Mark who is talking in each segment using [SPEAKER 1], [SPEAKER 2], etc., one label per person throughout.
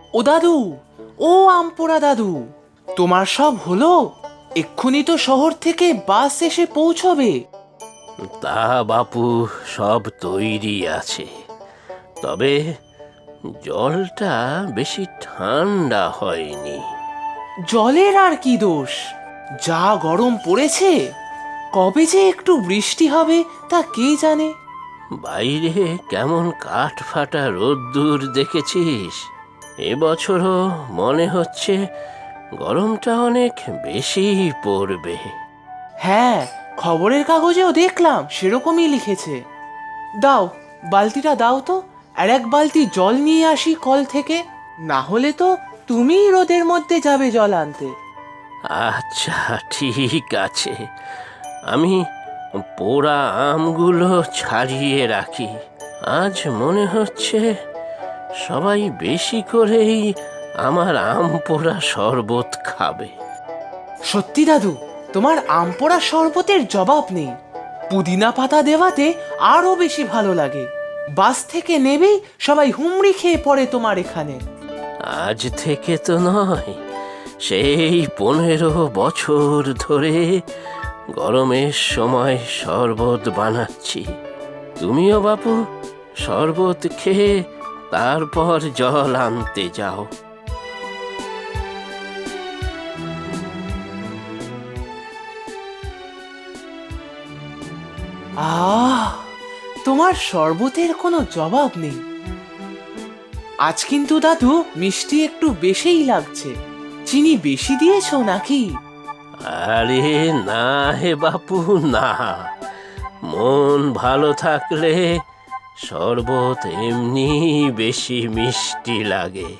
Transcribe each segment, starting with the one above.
[SPEAKER 1] ও দাদু, ও আমপোড়া দাদু, তোমার সব হলো? এক্ষুনি তো শহর থেকে বাস এসে পৌঁছবে।
[SPEAKER 2] তা বাপু, সব তৈরি আছে, তবে জলটা বেশি ঠান্ডা হয়নি।
[SPEAKER 1] জলের আর কি দোষ, যা গরম পড়েছে। কবে যে একটু বৃষ্টি হবে তা কে জানে।
[SPEAKER 2] বাইরে কেমন কাঠ ফাটা রোদ্দুর দেখেছিস? এবছরও মনে হচ্ছে গরমটা অনেক বেশি পড়বে।
[SPEAKER 1] হ্যাঁ, খবরের কাগজেও দেখলাম সেরকমই লিখেছে। দাও, বালতিটা দাও তো, আর এক বালতি জল নিয়ে আসি কল থেকে। না হলে তো তুমিই রোদের মধ্যে যাবে জল আনতে।
[SPEAKER 2] আচ্ছা, ঠিক আছে, আমি পোড়া আমগুলো ছাড়িয়ে রাখি। আজ মনে হচ্ছে সবাই বেশি করেই আমার আম পোড়া শরবত খাবে।
[SPEAKER 1] সত্যি দাদু, তোমার আম পোড়া শরবতের জবাব নেই। পুদিনা পাতা দেওয়াতে আরো বেশি ভালো লাগে। বাস থেকে নেবেই সবাই হুমড়ি খেয়ে পড়ে তোমার এখানে।
[SPEAKER 2] আজ থেকে তো নয়, সেই 15 বছর ধরে গরমের সময় শরবত বানাচ্ছি। তুমিও বাপু শরবত খেয়ে তারপর জল আনতে যাও।
[SPEAKER 1] আহ, তোমার শরবতের কোনো জবাব নেই। আজ কিন্তু দাদু মিষ্টি একটু বেশিই লাগছে। চিনি বেশি দিয়েছো নাকি?
[SPEAKER 2] আরে না হে বাপু, না। মন ভালো থাকলে শরবত এমনি বেশি মিষ্টি লাগে।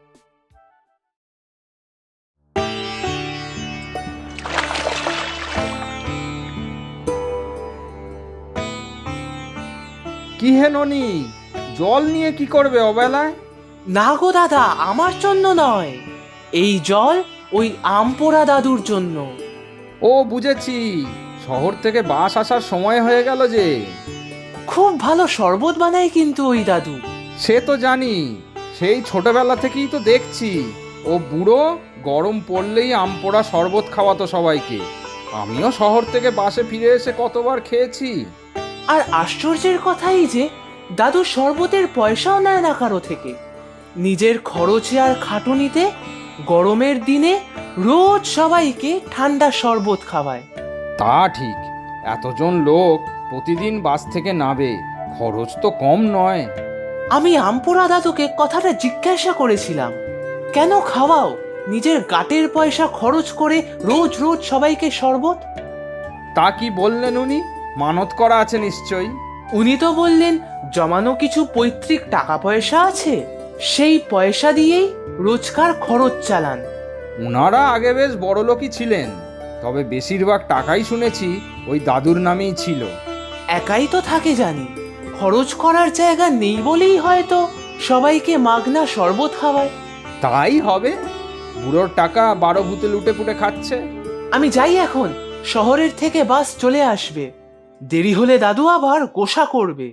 [SPEAKER 3] কি হে ননি, জল নিয়ে কি করবে অবেলায়?
[SPEAKER 1] না গো দাদা, আমার জন্য নয়। এই জল ওই আমপোড়া দাদুর জন্য।
[SPEAKER 3] ও বুঝেছি, শহর থেকে বাস আসার সময় হয়ে গেল যে।
[SPEAKER 1] খুব ভালো শরবত বানায় কিন্তু ওই দাদু।
[SPEAKER 3] সে তো জানি, সেই ছোটবেলা থেকেই তো দেখছি। ও বুড়ো গরম পড়লেই আম পোড়া শরবত খাওয়াতো সবাইকে। আমিও শহর থেকে বাসে ফিরে এসে কতবার খেয়েছি।
[SPEAKER 1] আর আশ্চর্যের কথাই যে দাদু শরবতের পয়সাও নেয় না কারো থেকে। নিজের খরচে আর খাটুনিতে গরমের দিনে রোজ সবাইকে ঠান্ডা শরবত খাওয়ায়।
[SPEAKER 3] তা ঠিক, এতজন লোক প্রতিদিন বাস থেকে নাবে, খরচ তো কম নয়।
[SPEAKER 1] আমি আমপোড়া দাদুকে কথাটা জিজ্ঞাসা করেছিলাম, কেন খাওয়াও নিজের গাটের পয়সা খরচ করে রোজ রোজ সবাইকে শরবত?
[SPEAKER 3] তা কি বললেন উনি? মানত করা আছে নিশ্চয়ই।
[SPEAKER 1] উনি তো বললেন জমানো কিছু পৈতৃক টাকা পয়সা আছে, সেই পয়সা দিয়েই রোজকার খরচ চালান।
[SPEAKER 3] ওনারা আগে বেশ বড়লোকই ছিলেন, তবে বেশিরভাগ টাকাই শুনেছি ওই দাদুর নামেই ছিল।
[SPEAKER 1] একাই তো থাকে জানি, খরচ করার জায়গা নেই বলেই হয়তো সবাইকে মাগনা শরবত খাওয়ায়।
[SPEAKER 3] তাই হবে, বুড়োর টাকা 12 ভূতে লুটে পুটে খাচ্ছে।
[SPEAKER 1] আমি যাই এখন, শহরের থেকে বাস চলে আসবে। দেরি হলে দাদু আবার গোসা করবে।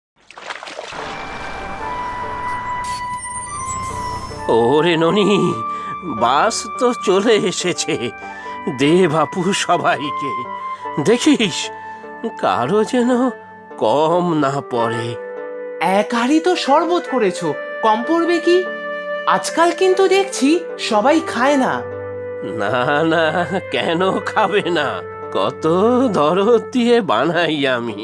[SPEAKER 2] ওরে ননি, বাস তো চলে এসেছে। দে বাপু সবাইকে, দেখিস কারো যেন কম না পড়ে।
[SPEAKER 1] এক হাঁড়ি তো শরবত করেছো, কম পড়বে কি? আজকাল কিন্তু দেখছি সবাই খায় না।
[SPEAKER 2] না না, কেন খাবে না? কত দরদ দিয়ে বানাই আমি।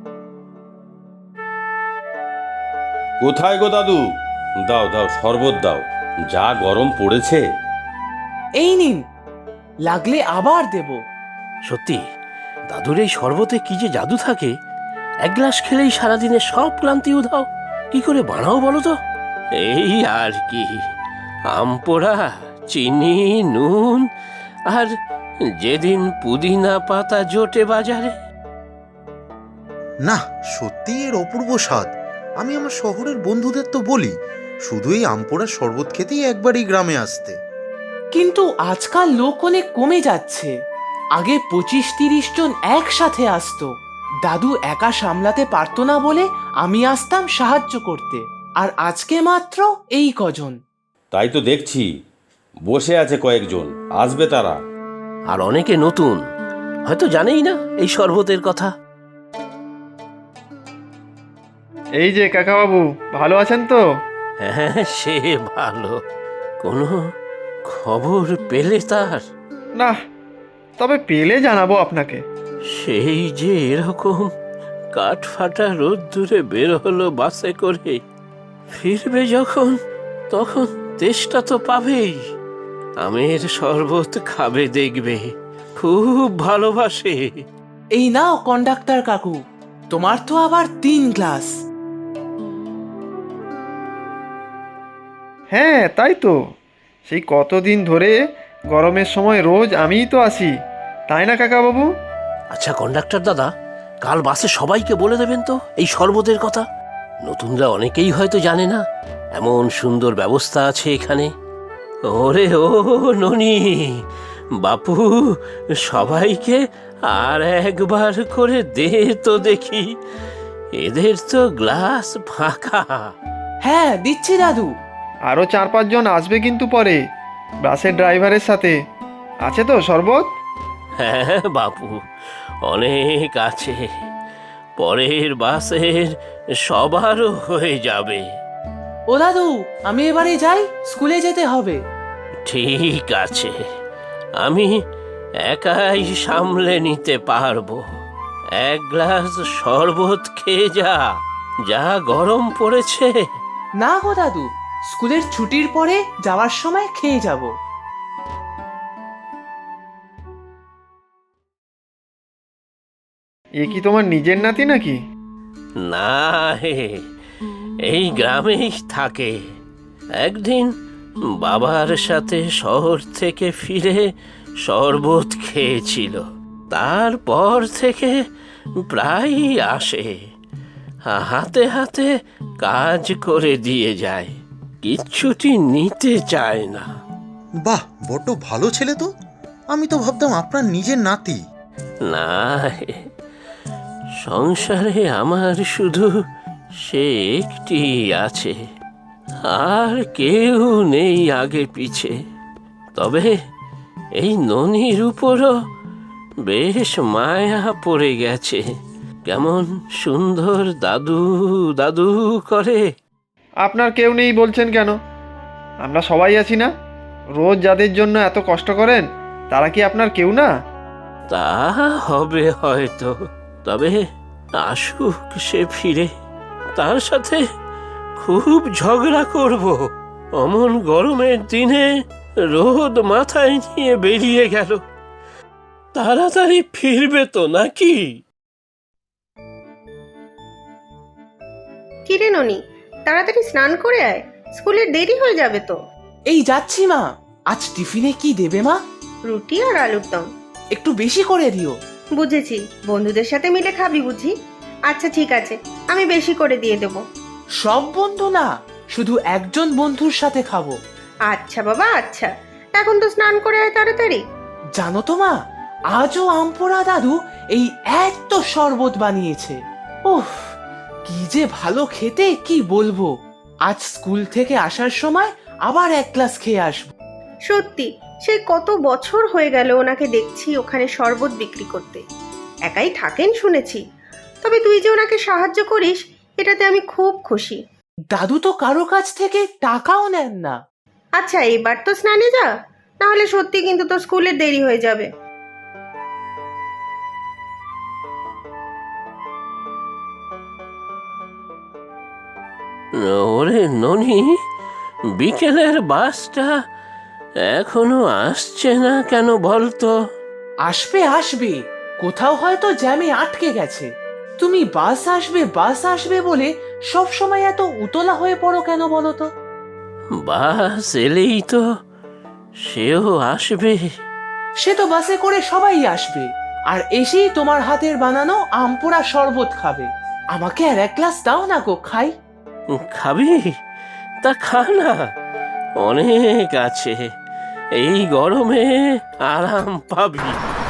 [SPEAKER 4] কোথায় গো দাদু? দাও দাও, শরবত দাও, যা গরম পড়েছে।
[SPEAKER 1] এই নিন, লাগলে আবার দেব।
[SPEAKER 2] সত্যি, দাদুর এই শরবতে কি যে জাদু থাকে! এক গ্লাস খেলেই সারাদিনে সব ক্লান্তি উধাও। কি করে বানাও বলো তো? এই আর কি, আম পোড়া, চিনি, নুন, আর যেদিন পুদিনা পাতা জোটে বাজারে।
[SPEAKER 5] না, সত্যি এর অপূর্ব স্বাদ। আমি আমার শহরের বন্ধুদের তো বলি শুধু এই আমপোড়ার শরবত খেতেই একবারই গ্রামে আসতে।
[SPEAKER 1] কিন্তু আজকাল লোক অনেক কমে যাচ্ছে। আগে 25-30 জন একসাথে আসতো। দাদু একা সামলাতে পারতো না বলে আমি আসতাম সাহায্য করতে, আর আজকে মাত্র এই কজন।
[SPEAKER 4] তাই তো দেখছি, বসে আছে কয়েকজন, আসবে তারা।
[SPEAKER 2] আর অনেকে নতুন, হয়তো জানেই না এই শরবতের কথা।
[SPEAKER 6] এই যে কাকাবাবু, ভালো আছেন তো?
[SPEAKER 2] হ্যাঁ, সে ভালো। কোনো খবর পেলে তার?
[SPEAKER 6] না, তবে পেলে জানাবো আপনাকে।
[SPEAKER 2] সেই যে এরকম কাঠফাটা রোদ্দুরে বের হলো বাসে করে, ফিরবে যখন তখন তেষ্টা তো পাবেই। আমের শরবত খাবে দেখবে, খুব ভালোবাসে।
[SPEAKER 1] এই নাও কন্ডাক্টর কাকু, তোমার তো আবার 3 গ্লাস।
[SPEAKER 6] হ্যাঁ, তাই তো। সেই কতদিন ধরে গরমের সময় রোজ আমিই তো আসি, তাই না কাকাবাবু?
[SPEAKER 2] আচ্ছা কন্ডাক্টর দাদা, কাল বাসে সবাইকে বলে দেবেন তো এই শরবতের কথা। নতুনরা অনেকেই হয়তো জানে না এমন সুন্দর ব্যবস্থা আছে এখানে। ওরে ও ননি, বাপু, সবাইকে আর একবার করে দে তো দেখি, এদের তো গ্লাস ফাঁকা।
[SPEAKER 1] হ্যাঁ দিচ্ছি দাদু।
[SPEAKER 6] আরও 4-5 জন আসবে কিন্তু পরে, বাসের ড্রাইভারের সাথে। আছে তো শরবত?
[SPEAKER 2] হ্যাঁ বাপু, অনেক আছে, পরের বাসের সবারও হয়ে যাবে।
[SPEAKER 1] ও দাদু, আমি এবারে যাই, স্কুলে যেতে হবে।
[SPEAKER 2] ঠিক আছে, আমি একাই সামলে নিতে পারবো। 1 গ্লাস শরবত খেয়ে যা, যা গরম পড়েছে।
[SPEAKER 1] না গো দাদু, স্কুলের ছুটির পরে যাওয়ার সময় খেয়ে যাব।
[SPEAKER 6] এ কি তোমার নিজের নাতি নাকি?
[SPEAKER 2] না হে, এই গ্রামেই থাকে। একদিন বাবার সাথে শহর থেকে ফিরে শরবত খেয়েছিল, তারপর থেকে প্রায়ই আসে, হাতে হাতে কাজ করে দিয়ে যায়, কিচ্ছুটি নিতে চায় না।
[SPEAKER 5] বাহ, বড্ড ভালো ছেলে তো। আমি তো ভাবতাম আপনার নিজের নাতি।
[SPEAKER 2] না হে, সংসারে আমার শুধু সে একটি আছে, আর কেউ নেই আগে পিছে। তবে এই ননির উপরও বেশ মায়া পড়ে গেছে, কেমন সুন্দর দাদু দাদু করে।
[SPEAKER 6] আপনার কেউ নেই বলছেন কেন? আমরা সবাই আছি না? রোজ যাদের জন্য এত কষ্ট করেন, তারা কি আপনার কেউ না?
[SPEAKER 2] তা হবে হয়তো, তবে আসুক সে ফিরে, তার সাথে খুব ঝগড়া করব। অমন গরমের দিনে রোদ মাথায় নিয়ে বেরিয়ে গেল, তাড়াতাড়ি ফিরবে তো নাকি?
[SPEAKER 7] কিরে ননি, তাড়াতাড়ি স্নান করে আয়, স্কুলের দেরি হয়ে যাবে তো।
[SPEAKER 1] এই যাচ্ছি মা। আজ টিফিনে কি দেবে মা?
[SPEAKER 7] রুটি আর আলুর দম।
[SPEAKER 1] একটু বেশি করে দিও।
[SPEAKER 7] বুঝেছি, বন্ধুদের সাথে মিলে খাবি বুঝি। আচ্ছা ঠিক আছে, আমি বেশি করে দিয়ে দেবো।
[SPEAKER 1] সব বন্ধু না, শুধু একজন বন্ধুর সাথে খাবো।
[SPEAKER 7] আচ্ছা বাবা আচ্ছা, এখন তো স্নান করে আয় তাড়াতাড়ি।
[SPEAKER 1] জানো তো মা, আজও আমপোড়া দাদু এই এত শরবত বানিয়েছে। উফ, কি যে ভালো খেতে, কি বলবো। আজ স্কুল থেকে আসার সময় আবার 1 গ্লাস খেয়ে আসবো।
[SPEAKER 7] সত্যি, সেই কত বছর হয়ে গেল ওনাকে দেখছি ওখানে শরবত বিক্রি করতে। একাই থাকেন শুনেছি, তবে তুই যে ওনাকে সাহায্য করিস, এটাতে আমি খুব খুশি।
[SPEAKER 1] দাদু তো কারো কাছ থেকে টাকাও নেন না।
[SPEAKER 7] আচ্ছা এবার তো স্নানে যা, নাহলে সত্যি কিন্তু তোর স্কুলের দেরি হয়ে যাবে।
[SPEAKER 2] ওরে ননি, বিকেলের বাসটা এখনো আসছে না কেন বলতো?
[SPEAKER 1] আসবে আসবে, কোথাও হয়তো জ্যামে আটকে গেছে। তুমি বাস আসবে বলে সব সময় এত উতলা হয়ে পড়ো কেন বলো তো?
[SPEAKER 2] বাস এলেই তো সেও আসবে।
[SPEAKER 1] সে তো বাসে করে সবাই আসবে, আর এসেই তোমার হাতের বানানো আমপোড়া শরবত খাবে। আমাকে আর 1 গ্লাস দাও না গো, খাই।
[SPEAKER 2] খাবি? তা খা না, অনেক আছে, এই গরমে আরাম পাবি।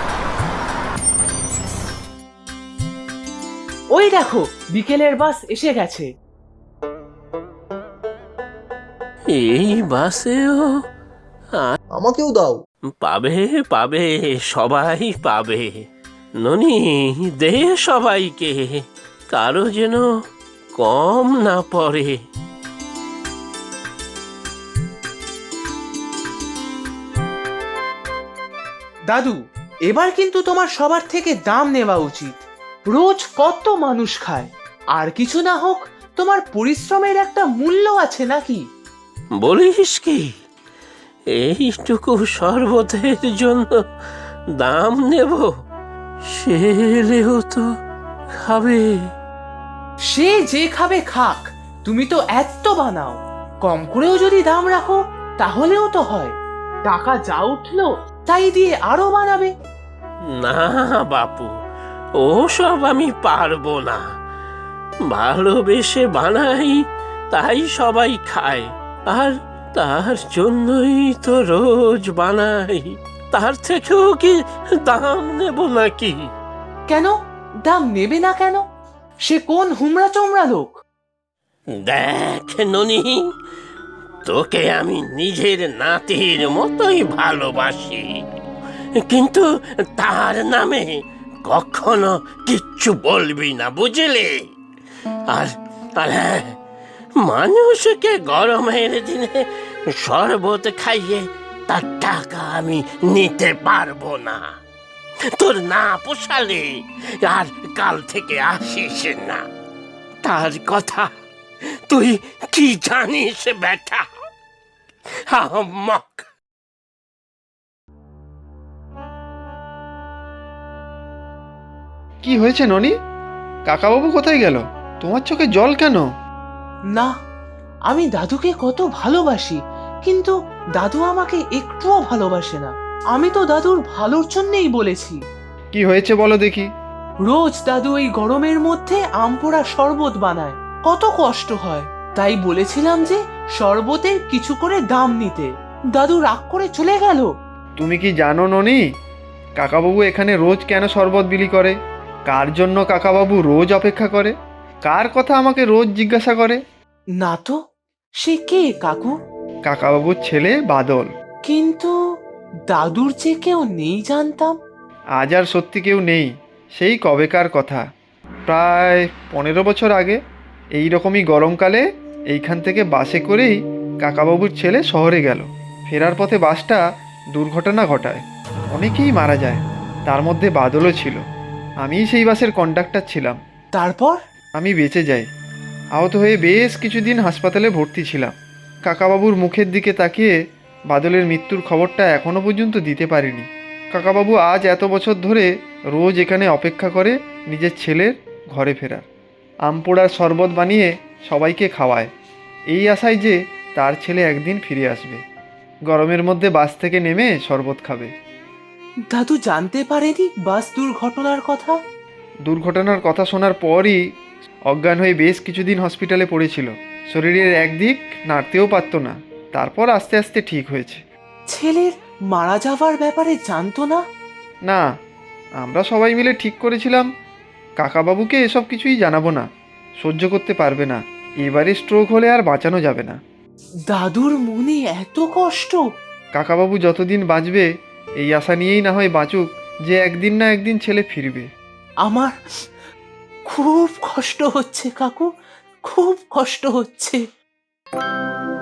[SPEAKER 1] ওই দেখো, বিকেলের বাস এসে গেছে।
[SPEAKER 2] এই বাসেও
[SPEAKER 5] আমাকেও দাও।
[SPEAKER 2] পাবে পাবে, সবাই পাবে। ননি, দে সবাইকে, কারো যেন কম না পড়ে।
[SPEAKER 1] দাদু, এবার কিন্তু তোমার সবার থেকে দাম নেওয়া উচিত। রোজ কত মানুষ খায়, আর কিছু না হোক তোমার পরিশ্রমের একটা মূল্য আছে নাকি?
[SPEAKER 2] বলিস কি, এইটুকু শরবতের জন্য দাম নেব? ছেলেও তো খাবে।
[SPEAKER 1] সে যে খাবে খাক, তুমি তো এত বানাও, কম করেও যদি দাম রাখো তাহলেও তো হয়। টাকা যা উঠলো তাই দিয়ে আরো বানাবে।
[SPEAKER 2] না বাপু, ওসব আমি পারবো না। ভালোবেসে বানাই, তাই সবাই খায়, আর তার জন্যই তো রোজ বানাই। তার থেকেও কি দাম নেব নাকি?
[SPEAKER 1] কেন দাম নেবে না কেন? সে কোন হুমড়া চমড়া লোক?
[SPEAKER 2] দেখ ননি, তোকে আমি নিজের নাতির মতোই ভালোবাসি, কিন্তু তার নামে কখনো কিচ্ছু বলবি না, বুঝলি? আর আর হ্যাঁ, মানুষকে গরমের দিনে শরবত খাইয়ে তার টাকা আমি নিতে পারবো না। তোর না পোষালে আর কাল থেকে আসিস না। তার কথা তুই কি জানিস বেটা? আহম্মক।
[SPEAKER 6] কি হয়েছে ননি? কাকাবাবু কোথায় গেল? তোমার চোখে জল কেন?
[SPEAKER 1] না, আমি দাদুকে কত ভালোবাসি, কিন্তু দাদু আমাকে একটুও ভালোবাসে না। আমি তো দাদুর ভালোর জন্যই বলেছি।
[SPEAKER 6] কি হয়েছে বলো দেখি।
[SPEAKER 1] রোজ দাদু এই গরমের মধ্যে আম পোড়া শরবত বানায়, কত কষ্ট হয়। তাই বলেছিলাম যে শরবতের কিছু করে দাম নিতে। দাদু রাগ করে চলে গেল।
[SPEAKER 6] তুমি কি জানো ননি, কাকাবাবু এখানে রোজ কেন শরবত বিলি করে? কার জন্য কাকাবাবু রোজ অপেক্ষা করে? কার কথা আমাকে রোজ জিজ্ঞাসা করে?
[SPEAKER 1] না তো, সে কে কাকু?
[SPEAKER 6] কাকাবাবুর ছেলে বাদল।
[SPEAKER 1] কিন্তু দাদুর যে কেউ নেই জানতাম।
[SPEAKER 6] আজ আর সত্যি কেউ নেই, সেই কবেকার কথা। প্রায় 15 বছর আগে এই রকমই গরমকালে এইখান থেকে বাসে করেই কাকাবাবুর ছেলে শহরে গেল। ফেরার পথে বাসটা দুর্ঘটনা ঘটায়, অনেকেই মারা যায়, তার মধ্যে বাদলও ছিল। আমিই সেই বাসের কন্ডাক্টর ছিলাম।
[SPEAKER 1] তারপর?
[SPEAKER 6] আমি বেঁচে যাই। আহত হয়ে বেশ কিছুদিন হাসপাতালে ভর্তি ছিলাম। কাকাবাবুর মুখের দিকে তাকিয়ে বাদলের মৃত্যুর খবরটা এখনও পর্যন্ত দিতে পারিনি। কাকাবাবু আজ এত বছর ধরে রোজ এখানে অপেক্ষা করে নিজের ছেলের ঘরে ফেরার। আম পোড়ার শরবত বানিয়ে সবাইকে খাওয়ায়, এই আশায় যে তার ছেলে একদিন ফিরে আসবে, গরমের মধ্যে বাস থেকে নেমে শরবত খাবে।
[SPEAKER 1] দাদু জানতে পারেনি বাস দুর্ঘটনার কথা?
[SPEAKER 6] দুর্ঘটনার কথা শোনার পরই অজ্ঞান হয়ে বেশ কিছুদিন হসপিটালে পড়েছিল। শরীরের একদিক নাড়তেও পারতো না, তারপর আস্তে আস্তে ঠিক হয়েছে।
[SPEAKER 1] ছেলের মারা যাওয়ার ব্যাপারে জানতো না?
[SPEAKER 6] না, আমরা সবাই মিলে ঠিক করেছিলাম কাকাবাবুকে এসব কিছুই জানাবো না, সহ্য করতে পারবে না। এবারে স্ট্রোক হলে আর বাঁচানো যাবে না।
[SPEAKER 1] দাদুর মনে এত কষ্ট?
[SPEAKER 6] কাকাবাবু যতদিন বাঁচবে এই আশা নিয়েই না হয় বাঁচুক যে একদিন না একদিন ছেলে ফিরবে।
[SPEAKER 1] আমার খুব কষ্ট হচ্ছে কাকু, খুব কষ্ট হচ্ছে।